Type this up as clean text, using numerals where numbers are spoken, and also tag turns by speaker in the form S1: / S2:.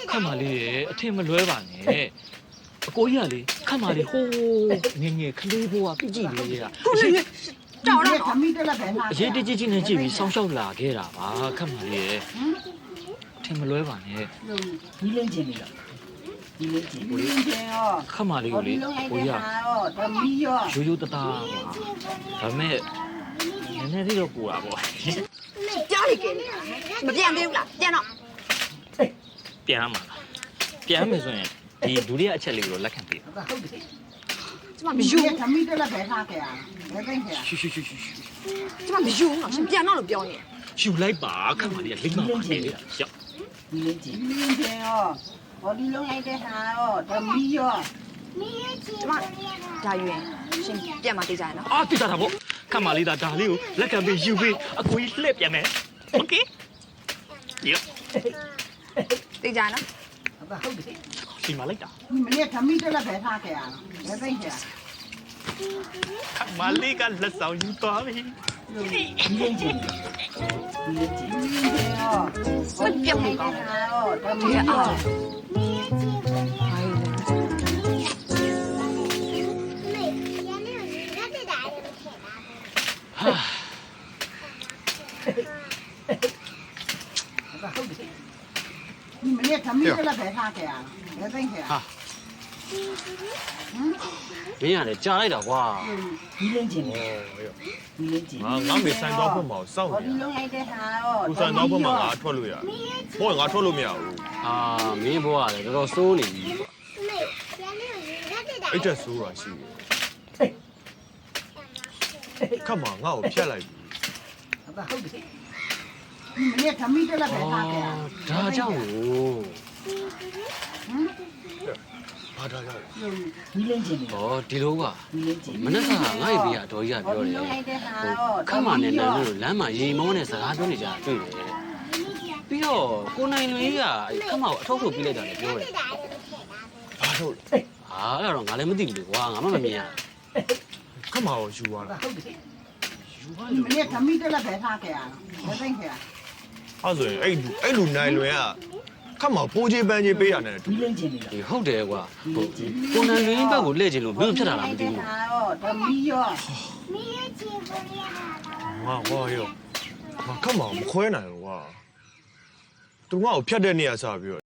S1: ခတ်မာလေးရဲ့အထင်မလွဲပါနဲ့အကိုကြီးကလေခတ်မာလေးဟိုးငယ်ကလေးဘိုးကပြကြည့်လေးက
S2: ကြောက်တော့
S3: ခမီးတက်လက်ပဲထား
S1: အရေးတကြီးကြီးနဲ့ကြည့်ပြီးစောင်းရှောက်လာခဲ့တာပါခတ်မာလေးရဲ့အထင်မလွဲပါနဲ့
S4: ဒီလင်းချင်းပြီလားဒီလင်းချင်း
S3: ဒီင်းချင်းရော
S1: ခတ်မာလေးကိုလေကိုကြီးက
S3: ဓမီရော
S1: ရိုးရိုးတသားပါဒါပေမဲ့နည်းနည်းလေးတော့ပူတာပေါ့
S2: ကြားရခဲ့မပြန်သေးဘူးလားပြန်တော့
S1: ပြန်မှာလားပြန်မယ်ဆိုရင်ဒီဒုတိယအချက်လေးကိုလက်ခံပေး
S4: ဟုတ်တယ်
S2: ကျမမယူ
S3: ခမီးတက်လက်ပဲထားခဲ့ရဘယ်သိခဲ့ရ
S1: ရှူရှူရှူရှူ
S2: ကျမမယူတော့ရှင်ပြန်တော့လို့ပြောနေ
S1: ရှူလိုက်ပါခတ်မာလေးကလိမ့်မှာပါနေလေရောက်
S4: ဒီလင်းချင်း
S3: ဒီင်းချင်းရောဘောဒီလုံးလိုက်တဲ့ဟာရောဓမီရော
S2: ကျမဒါယူရင်ရှင်ပြန်มาတေးကြရနော်
S1: အာတိတာပေါ့ခတ်မာလေးဒါလေးကိုလက်ခံပေးယူပေးအကိုကြီးလှည့်ပြန်မယ်โอเคရောက်
S2: တေးကြရနော်
S4: ဟုတ်တယ်
S1: ဒီမှာလိုက်တာ
S3: မနေ့ခမီးတက်လက်ပဲထားခဲ့ရဘယ်သိခဲ့ရ
S1: ခတ်မာလေးကလက်ဆောင်ယူသွားပြီ
S4: ဒီလင်းချင်းဒီလင်းချင်း
S3: ဒီင်းချင်းရောဘောဒီလုံးလိုက်တဲ့ဟာရောဓမီရော
S2: ဟာ
S1: ဟာ
S4: ဟုတ်တယ်
S3: မနေ့ခမီးတက်လက်ပဲထားခဲ့ရဘယ်သိခဲ့ရ
S1: ဟာမင်းရတယ်ကြားလိုက်တာကွာ
S4: ဒီလင်းချင်း
S5: 哦，
S4: ဒီလင်းချင်း
S5: ငါမေဆိုင်တော့ဖွင့်မအောင်စောင့်
S3: ဘောဒီ
S5: နေ
S3: လုံးလိုက်တဲ့ဟာရော
S5: ။ကိုဆိုင်တော့ဖွင့်မငါထွက်လို့ရ။ဟိုကငါထွက်လို့မရဘူး
S1: အာမင်းဘွားကလည်းတော်တော်စိုးနေပြီ
S5: ။အဲ့တက်ဆိုးတာရှိတယ်။ခတ်မှာငါ့ကိုဖြတ်လိုက်ပြီ
S4: ဟုတ်တယ်
S3: မနေ့ခမီးတက်လက်ပဲထားခဲ့ရ
S1: ဒါကြောင့်ကို
S5: ။ဘာသာရလဲ
S4: ဒီလင်းချင်း
S1: ဟောဒီလိုက
S4: ဒီလင်းချင်း
S1: မနေ့ကငါ့ရဲ့ဘေးကအတော်ကြီးကပြောတယ်ခတ်မာနဲ့နန်းလို့လမ်းမှာရေမောနဲ့စကားပြောနေကြတာတွေ့တယ်ပြီးတော့ကိုနိုင်လွင်ကြီးကခတ်မာကိုအထောက်ထုတ်ပြလိုက်တာလည်းပြောတယ်
S5: ။ဘာလို့လဲ
S1: ဟာအဲ့ဒါတော့ငါလည်းမသိဘူးလေကွာငါမှမမြင်ရ
S5: ။ခတ်မှာကိုယူသွားတာ
S4: ဟုတ်တယ်
S3: မနေ့ခမီးတက်လက်ပဲထားခဲ့ရဘယ်သိခဲ့ရ
S5: ။အဲ့ဆိုရင်အဲ့လူနိုင်လွင်ကခတ်မှာပိုးချေးပန်းချေးပေးရတယ်တူ
S4: ဒီလင်းချင်းပြီလား
S1: ဒီဟုတ်တယ်ကွာဟုတ်ကိုနိုင်လွင်ဘက်ကိုလှည့်ချင်လို့ဘယ်လိုဖြစ်တာလဲမသိဘူး
S3: ဟာရောဓမီရော
S5: ။ငါဟောရော။ငါခတ်မှာမခွဲနိုင်ဘူးကွာ။သူငါ့ကိုဖြတ်တဲ့နေရာစပြီးတော့